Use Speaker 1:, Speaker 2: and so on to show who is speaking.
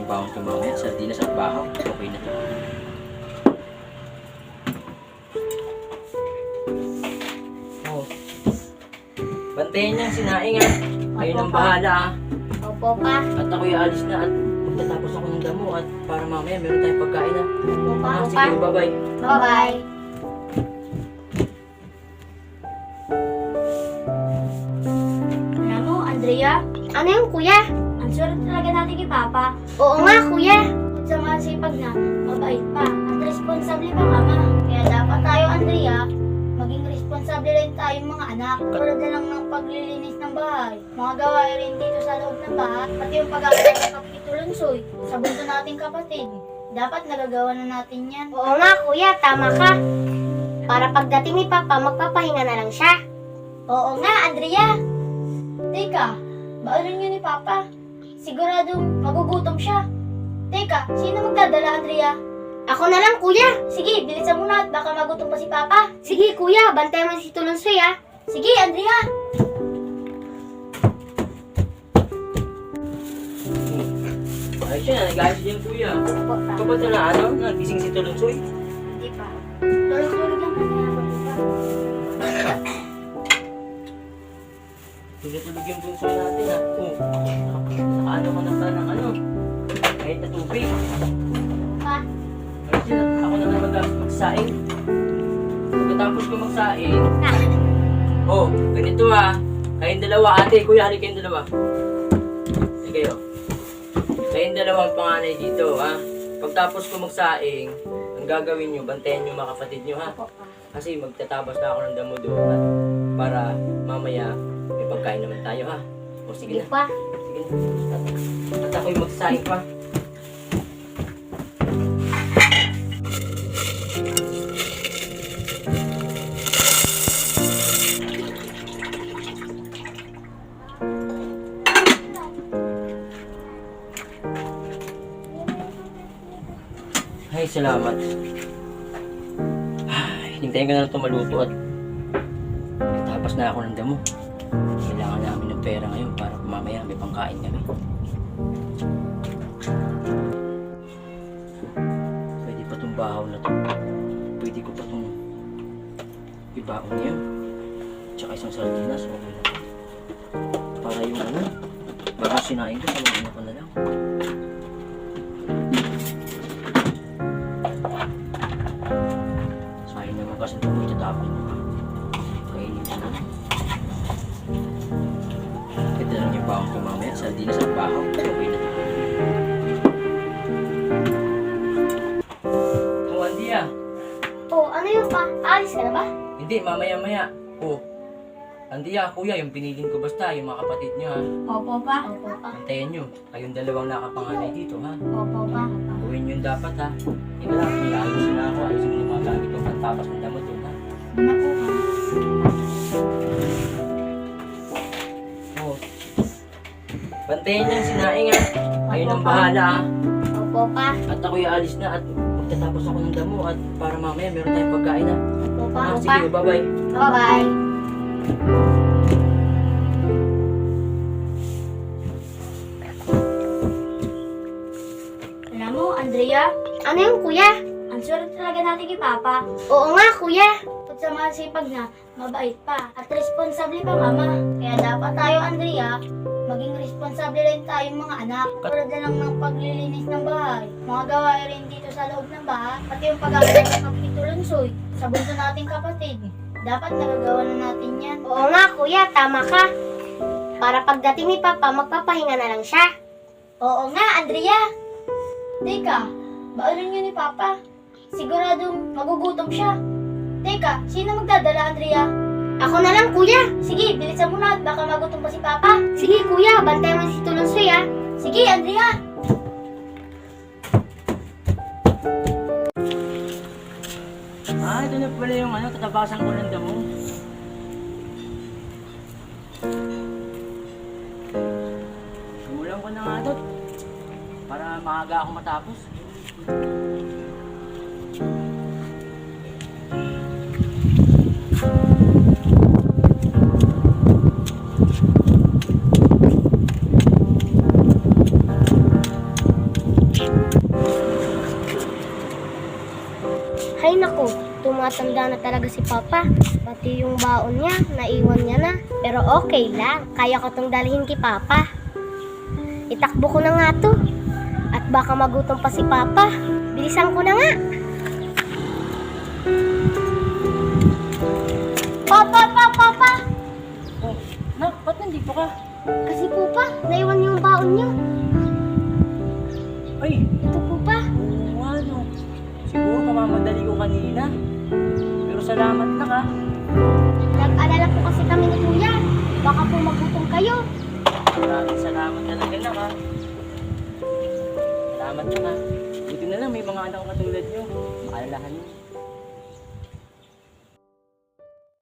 Speaker 1: yung bawang ko mamaya. Sardinas at bahaw. Okay na to. Oh. Bantayan niya, sinaing ha. Kayo nang bahala ha.
Speaker 2: Opo pa.
Speaker 1: At ako'y aalis na at magtatapos ako ng damo at para mamaya meron tayong pagkain ha.
Speaker 2: Opo pa.
Speaker 1: Sige, bye-bye.
Speaker 2: Bye-bye. Alam mo, Andrea,
Speaker 3: Ano yung kuya?
Speaker 2: ang sulit talaga natin kay Papa.
Speaker 3: Oo nga kuya.
Speaker 2: At sa masipag na, mabait pa, at responsable pa mama. Kaya dapat tayo, Andrea, maging responsable rin tayong mga anak. Tulad na lang ng paglilinis ng bahay, mga gawain rin dito sa loob ng bahay, pati yung pag-aaral ng kapitulunsoy sa bunso nating kapatid. Dapat nagagawa na natin yan.
Speaker 3: Oo nga kuya, tama ka. Para pagdating ni Papa, magpapahinga na lang siya.
Speaker 2: Oo nga, Andrea. Teka, baalan niyo ni Papa. Siguradong magugutom siya. Teka, sino magdadala, Andrea?
Speaker 3: Ako na lang kuya.
Speaker 2: Sige, bilisan mo na at baka magutom pa si Papa.
Speaker 3: Sige kuya, bantayan mo si Tulunsoy ah.
Speaker 2: Sige, Andrea.
Speaker 1: Ayos siya, nag-ayos din kuya.
Speaker 2: Opo, pa.
Speaker 1: Kapag na ano, nagising si Tulunsoy.
Speaker 2: Hindi pa. Tulog-tulog lang kasi nga pa.
Speaker 1: Tulog-tulog yung Tulunsoy natin ha. Oh, nakaano ka na pa ng ano. Kahit na tubig.
Speaker 2: Pa.
Speaker 1: Ayos yun, ako na naman magsaing. Pagkatapos ko magsaing, oh, ganito ha. Kayong dalawa, ate, kuya, hali kayong dalawa. Sige kayo. Kayong dalawang panganay dito, ha? Pagtapos ko magsaing, ang gagawin nyo, bantayan nyo mga kapatid nyo, ha?
Speaker 2: Opo, pa.
Speaker 1: Kasi magtatabas na ako ng damo doon, at para mamaya may pagkain naman tayo, ha? O sige
Speaker 3: Sige
Speaker 1: na,
Speaker 3: pa.
Speaker 1: sige na. At ako'y magsaing pa. Ay, salamat. Ay, hintayin ko na lang ito maluto at tapos na ako ng damo. Kailangan namin ng pera ngayon para mamaya may pangkain kami. Pwede pa itong bahaw na ito. Pwede ko pa itong ibaon niya. Tsaka isang sardinas. Okay na. Para yung ano, bago sinain ko, saluhin ko na lang. Sayang naman kasi ito may tatapin. Kainin ko na. Ito lang yung bawang ko mamaya. Sardinas at bahaw. Okay na. Oh, Andy ah.
Speaker 3: Oh, ano yung pa? Alis ka na ba?
Speaker 1: Hindi, mamaya-maya. Oh. Andy ah, kuya, yung pinilin ko basta, yung mga kapatid nyo ha.
Speaker 2: Opo, pa. Opo, pa.
Speaker 1: Antayin nyo. Kayong dalawang nakapanganay dito ha.
Speaker 2: Opo, pa.
Speaker 1: Uwin yun dapat ha. Ika lang, may ayusin na ako. Ayusin mo yung mga gamit ko. Pagtapas ng damo doon ha.
Speaker 2: Ano po, pa?
Speaker 1: Oh. Bantayan niya, sinaing ha. Kayo nang bahala ha.
Speaker 3: Opo pa.
Speaker 1: At ako'y aalis na at magtatapos ako ng damo at para mamaya meron tayong pagkain ha.
Speaker 2: Opo, pa.
Speaker 1: Ah, sige, bye-bye.
Speaker 3: Bye-bye.
Speaker 2: Alam mo, Andrea,
Speaker 3: Ano yung kuya?
Speaker 2: ang sulit talaga natin kay Papa.
Speaker 3: Oo nga kuya.
Speaker 2: At sa masipag na, mabait pa, at responsable pa mama. Kaya dapat tayo, Andrea, maging responsable rin tayong mga anak. Tulad na lang ng paglilinis ng bahay, mga gawain rin dito sa loob ng bahay, pati yung pag-aaral ng kapitulunsoy sa bunso nating kapatid. Dapat nagagawa na natin yan.
Speaker 3: Oo nga kuya, tama ka. Para pagdating ni Papa, magpapahinga na lang siya.
Speaker 2: Oo nga, Andrea. Teka, baalan niyo ni Papa. Siguradong magugutom siya. Teka, sino magdadala, Andrea?
Speaker 3: Ako na lang kuya.
Speaker 2: Sige, bilisan mo na at baka magutom pa si Papa.
Speaker 3: Sige kuya, bantayan mo si Tulunsoy ah.
Speaker 2: Sige, Andrea.
Speaker 1: Ah, ito na pala yung ano, tatabasan ko ng damo. Simulan ko na nga ito para maaga ako matapos.
Speaker 3: matanda na talaga si Papa. Pati yung baon niya, naiwan niya na. Pero okay lang, kaya ko tong dalhin kay Papa. Itakbo ko na nga to. At baka magutom pa si Papa. Bilisan ko na nga. Papa!
Speaker 1: Oh, nak, ba't nandito ka?
Speaker 3: Kasi po pa, naiwan niyo yung baon niyo.
Speaker 1: Ay,
Speaker 3: Ito po pa.
Speaker 1: oo nga no. Siguro kamamadali ko kanina. Pero salamat na ka.
Speaker 3: Nag-alala po kasi kami ni Kuya. Baka po magutom kayo.
Speaker 1: Maraming salamat talaga na ka. Salamat na ka. Buti na lang may mga anak ko katulad nyo. Maalalahan nyo.